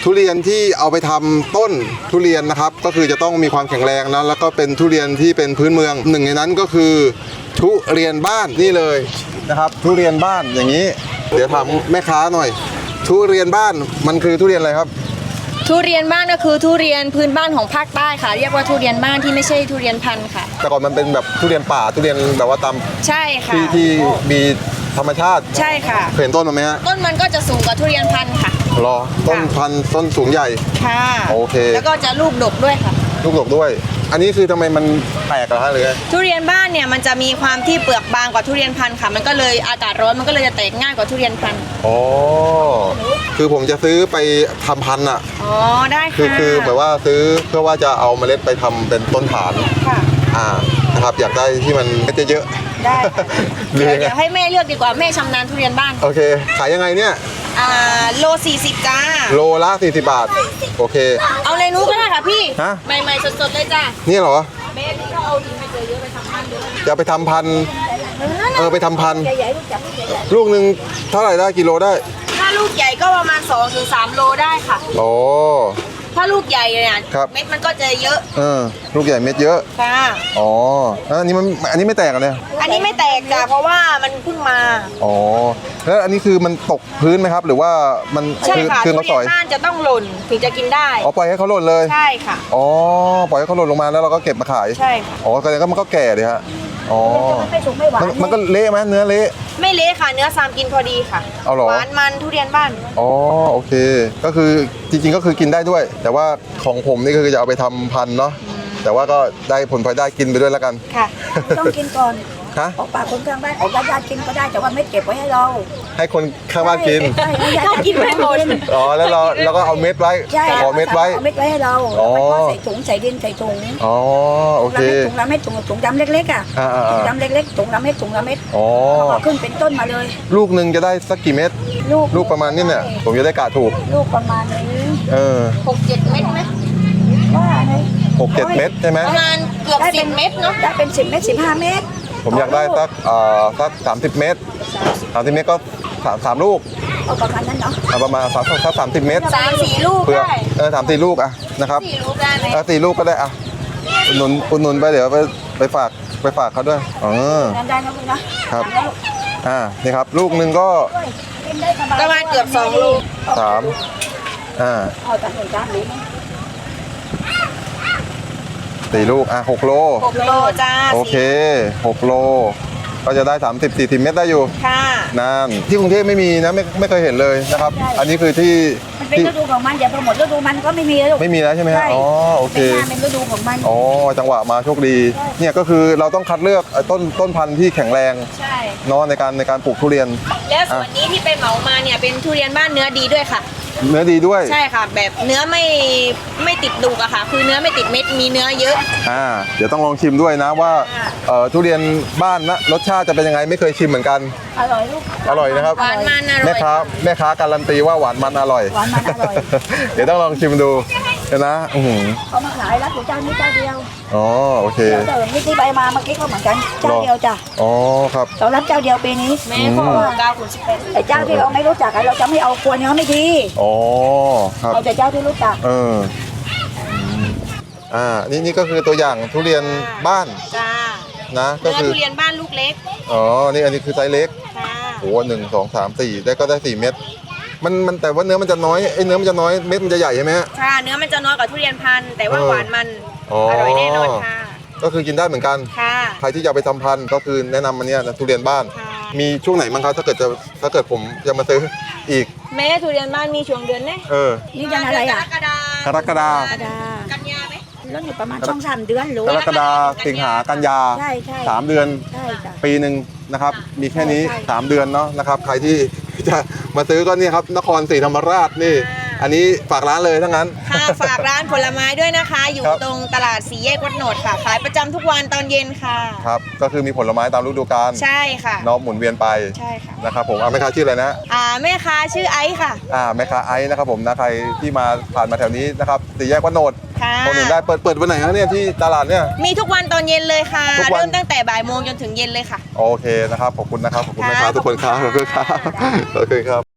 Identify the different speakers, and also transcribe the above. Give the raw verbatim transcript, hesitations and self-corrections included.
Speaker 1: ทุเรียนที่เอาไปทำต้นทุเรียนนะครับก็คือจะต้องมีความแข็งแรงนะแล้วก็เป็นทุเรียนที่เป็นพื้นเมืองหนึ่งในนั้นก็คือทุเรียนบ้านนี่เลยนะครับทุเรียนบ้านอย่างนี้เดี๋ยวถามแม่ค้าหน่อยทุเรียนบ้านมันคือทุเรียนอะไรครับ
Speaker 2: ทุเรียนบ้านก็คือทุเรียนพื้นบ้านของภาคใต้ค่ะเรียกว่าทุเรียนบ้านที่ไม่ใช่ทุเรียนพันธุ์ค่ะ
Speaker 1: แต่ก่อนมันเป็นแบบทุเรียนป่าทุเรียนแบบว่าตาม
Speaker 2: ใช่ค่ะ
Speaker 1: ที่ที่มีธรรมชาติ
Speaker 2: ใช่ค่ะ
Speaker 1: เห็นต้นมันไหมฮะ
Speaker 2: ต้นมันก็จะสูงกว่าทุเรียนพันธุ์ค่ะ
Speaker 1: รอต้นพันธุ์ต้นสูงใหญ่
Speaker 2: ค่ะ
Speaker 1: โอเค
Speaker 2: แล้วก็จะลูกดกด้วยค่ะ
Speaker 1: ลูกดกด้วยอันนี้คือทำไมมันแปลกเหรอฮะหรือ
Speaker 2: ทุเรียนบ้านเนี่ยมันจะมีความที่เปลือกบางกว่าทุเรียนพันธุ์ค่ะมันก็เลยอากาศร้อนมันก็เลยจะแตกง่ายกว่าทุเรียนพันธุ์
Speaker 1: อ๋อคือผมจะซื้อไปทำพันธุ์อ่ะ
Speaker 2: อ๋อได้ค่ะ
Speaker 1: คือคือแบบว่าซื้อเพื่อว่าจะเอาเมล็ดไปทำเป็นต้นฐาน
Speaker 2: ค่ะ
Speaker 1: อ่านะครับอยากได้ที่มันเม็ดเยอะ
Speaker 2: ได้เดี๋ยวเดี๋ยวให้แม่เลือกดีกว่าแม่ชำนาญทุเรียนบ้าน
Speaker 1: โอเคขายยังไงเนี่ย
Speaker 2: อ่าโลสี่สิบจ้า
Speaker 1: โลละสี่สิบบาทโอเค
Speaker 2: เอาเลยนู้ก็ได้ค่ะพี่
Speaker 1: ฮะ
Speaker 2: ใหม่ๆสดๆเลยจ้า
Speaker 1: นี่เหรอ
Speaker 2: แม่ที่เขาเอาดินไปเจอเยอะไปทำพันธุ์เยอะ
Speaker 1: จะไปทำพันธุ์เออไปทำพันธุ์ลูกหนึ่งเท่าไหร่ได้กิโลได้
Speaker 2: ถ้าลูกใหญ่ก็ประมาณสองถึงสามโลได้ค่ะ
Speaker 1: โอ้
Speaker 2: ถ้าลูกใหญ่เนี่ยเม็ดมันก็จะเยอะ
Speaker 1: เออลูกใหญ่เม็ดเยอะ
Speaker 2: ค่ะ
Speaker 1: อ๋ออันนี้มันอันนี้ไม่แตกเลย
Speaker 2: อันนี้ไม่แตกจ้ะเพราะว่ามันเพิ่งมา
Speaker 1: อ๋อแล้วอันนี้คือมันตกพื้นไหมครับหรือว่ามัน
Speaker 2: ใช่ค่ะ
Speaker 1: คือเขาสอย
Speaker 2: บ้านจะต้องหล่นถึงจะกินได้
Speaker 1: อ๋อปล่อยให้เขาหล่นเลย
Speaker 2: ใช่ค่ะ
Speaker 1: อ๋อปล่อยให้เขาหล่นลงมาแล้วเราก็เก็บมาขาย
Speaker 2: ใช่ค่ะ
Speaker 1: อ๋อก็ก็มันก็แก่ดิฮะอ๋อ
Speaker 2: มันไม่สุกไม่หวาน
Speaker 1: มันก็เละไหมเนื้อเละ
Speaker 2: ไม่เละค่ะเนื้อซามกินพอดีค่ะ
Speaker 1: เอาหรอ
Speaker 2: หวานมันทุเรียนบ้าน
Speaker 1: อ๋อโอเคก็คือจริงๆก็คือกินได้ด้วยแต่ว่าของผมนี่คือจะเอาไปทำพันธุ์เนาะแต่ว่าก็ได้ผลพลอยได้กินไปด้วยแล้วกัน
Speaker 3: ค่ะต้องกินก่อน
Speaker 1: ฮะ
Speaker 3: ออกปากคนข้างบ้านออกญาติกินก็ได้แต่ว่าไม่เก็บไว้ให้เรา
Speaker 1: ให้คนข้างบ้านกิน
Speaker 3: ใช่ญาติกินไว้หมด
Speaker 1: อ๋อแล้วเราแล้วก็เอาเม็ดไว้ขอเม็ดไว้
Speaker 3: เอาเม็ดไว้ให้เราแล้วก็ใส่ถุงใส่ดินใส่ถุง
Speaker 1: อ๋อโอเค
Speaker 3: ถุงละเม็ดถุงถุงดำเล็กๆอ่ะถุงดำเล็กๆถุงละเม็ดถุงละเม็ด
Speaker 1: อ๋อ
Speaker 3: ขึ้นเป็นต้นมาเลย
Speaker 1: ลูกหนึ่งจะได้สักกี่เม็ด
Speaker 3: ลูก
Speaker 1: ลูกประมาณนี้เนี่ยผมจะได้กะถูก
Speaker 3: ลูกประมาณนี้
Speaker 1: เออ
Speaker 2: หกเจ็ดเม็ดไหม
Speaker 3: ว่าไง
Speaker 1: หกเจ็ดเม็ดใช่ไหม
Speaker 2: ประมาณเกือบสิบเม็ดเนาะ
Speaker 3: ได้เป็นสิบเม็ดสิบห้าเม็ด
Speaker 1: ผมอยากได้สักเอ่อสักสามสิบเมตรสามสิบเมตรก็สามสามลูก
Speaker 3: เอาประมาณนั้นเนาะ
Speaker 1: ประมาณสักสักสามสิบเมตร
Speaker 2: สามสี่ลูกได้
Speaker 1: เออสามสี่ลูกอะนะครับ
Speaker 2: สี่ลูกได้ไหม
Speaker 1: เออสี่ลูกก็ได้อะอุดหนุนอุดหนุนไปเดี๋ยวไปไปฝากไปฝากเขาด้วยอ๋อ
Speaker 3: ได้นะคุณนะครับ
Speaker 1: อ่านี่ครับลูกหนึ่งก็
Speaker 2: ประมาณเกือบสองลูก
Speaker 1: สามอ่า
Speaker 3: เอาจากหนึ่งจานนี้
Speaker 1: สี่ลูกอ่ะหกโล
Speaker 2: หกโลจ้า
Speaker 1: โอเคหกโลก็จะได้สามสิบ สี่สิบเมตรได้อยู่
Speaker 2: ค่ะ
Speaker 1: นั่นที่กรุงเทพไม่มีนะไม่ไม่เคยเห็นเลยนะครับอันนี้คือที่
Speaker 3: มันเป็นฤดูของมันอย่าพอหมดฤดูมันก็ไม่มีแล้ว
Speaker 1: ไม่มีแล้วใช่ไหมฮะอ๋อโอเค
Speaker 3: เป็นฤดูของมัน
Speaker 1: อ๋อจังหวะมาโชคดีเนี่ยก็คือเราต้องคัดเลือกต้นต้นพันธุ์ที่แข็งแรง
Speaker 2: ใช่
Speaker 1: เนาะในการในการปลูกทุเรียน
Speaker 2: แล้วส่วนนี้ที่ไปเหมามาเนี่ยเป็นทุเรียนบ้านเนื้อดีด้วยค่ะ
Speaker 1: เนื้อดีด้วย
Speaker 2: ใช่ค่ะแบบเนื้อไม่ไม่ติดดุกอะค่ะคือเนื้อไม่ติดเม็ดมีเนื้อเยอะ
Speaker 1: อ่าเดี๋ยวต้องลองชิมด้วยนะว่าเอ่อทุเรียนบ้านนะรสชาติจะเป็นยังไงไม่เคยชิมเหมือนกัน
Speaker 3: อร่อยลูก
Speaker 1: อร่อยนะครับ
Speaker 2: หวานมันอร่อย
Speaker 1: แม่ค้าแม่ค้าการันตีว่าหวานมันอร่อย
Speaker 3: หวานมันอร่อย
Speaker 1: เดี๋ยวต้องลองชิมดูนะอือ
Speaker 3: เขามาขายแล้วเจ้านี้เจ้าเดียว
Speaker 1: อ๋อโอเค
Speaker 3: เดี๋ยวนี่ที่ใบมาเมื่อกี้ก็เหมือนกันเจ้าเดียวจ้ะ
Speaker 1: อ๋อครับ
Speaker 3: เรารับเจ้าเดียวปีนี้
Speaker 2: แม่ขอเก้าคุณสิบแปด
Speaker 3: ไอ้เจ้าที่เราไม่รู้จักเราจะไม่เอาควรเนื้อไม่ดี
Speaker 1: อ๋อครับ
Speaker 3: เอาแต่เจ้าที่รู้จัก
Speaker 1: เอออ่านี่นี่ก็คือตัวอย่างทุเรียนบ้าน
Speaker 2: จ้า
Speaker 1: นะก็คือ
Speaker 2: ทุเรียนบ้านลูกเล็ก
Speaker 1: อ๋อนี่อันนี้คือไซส์เล็กโอ้หนึ่งสองสามสี่ได้ก็ได้สี่เม็ดมันมันแต่ว่าเนื้อมันจะน้อยไอ้เนื้อมันจะน้อยเม็ดมันจะใหญ่ใช่ไหมฮะ
Speaker 2: ค่ะเนื้อมันจะน้อยกว่าทุเรียนพันธุ์แต่ว่าหวานมันอร่อยแน่นอนค่ะ
Speaker 1: ก็คือกินได้เหมือนกัน
Speaker 2: ค่ะ
Speaker 1: ใครที่จะไปทำพันธุ์ก็คือแนะนำมันเนี้ยทุเรียนบ้านมีช่วงไหนบ้างครับถ้าเกิดจะถ้าเกิดผมจะมาซื้ออีก
Speaker 2: แม่ทุเรียนบ้านมีช่วงเดือนไหม
Speaker 1: เออ
Speaker 3: นี่ยังอะไรอ่ะ
Speaker 2: กรกฎาก
Speaker 1: รกฎา
Speaker 2: กันยาไหม
Speaker 3: แล้วอยู่ประมาณช่องสามเดือนหรือก
Speaker 1: รกฎาสิงหากันยา
Speaker 3: ใช่ใช่
Speaker 1: สามเดือน
Speaker 3: ใช่จ้ะ
Speaker 1: ปีหนึ่งนะครับมีแค่นี้สามเดือนเนาะนะครับใครที่จะมาซื้อก็นี่ครับนครศรีธรรมราชนี่อันนี้ฝากร้านเลยทั้งนั้น
Speaker 2: ค่ะฝากร้านผลไม้ด้วยนะคะอยู่ตรงตลาดสี่แยกวัดโหนดค่ะขายประจำทุกวันตอนเย็นค่ะ
Speaker 1: ครับก็คือมีผลไม้ตามฤดูกาล
Speaker 2: ใช่ค่ะ
Speaker 1: น้องหมุนเวียนไป
Speaker 2: ใช่ค่ะ
Speaker 1: นะครับผมอ่าแม่ค้าชื่ออะไรนะ
Speaker 2: อ่าแม่ค้าชื่อไอซ์ค่ะ
Speaker 1: อ่าแม่ค้าไอซ์นะครับผมนะใครที่มาผ่านมาแถวนี้นะครับสี่แยกวัดโหนดคนหนึ่งได้เปิดเปิดวันไหนครับเนี่ยที่ตลาดเนี่ย
Speaker 2: มีทุกวันตอนเย็นเลยค่ะเริ่มตั้งแต่บ่ายโมงจนถึงเย็นเลยค่ะ
Speaker 1: โอเคนะครับขอบคุณนะครับขอบคุณแม่ค้าทุกคนครับขอบคุณครับขอบคุณครับ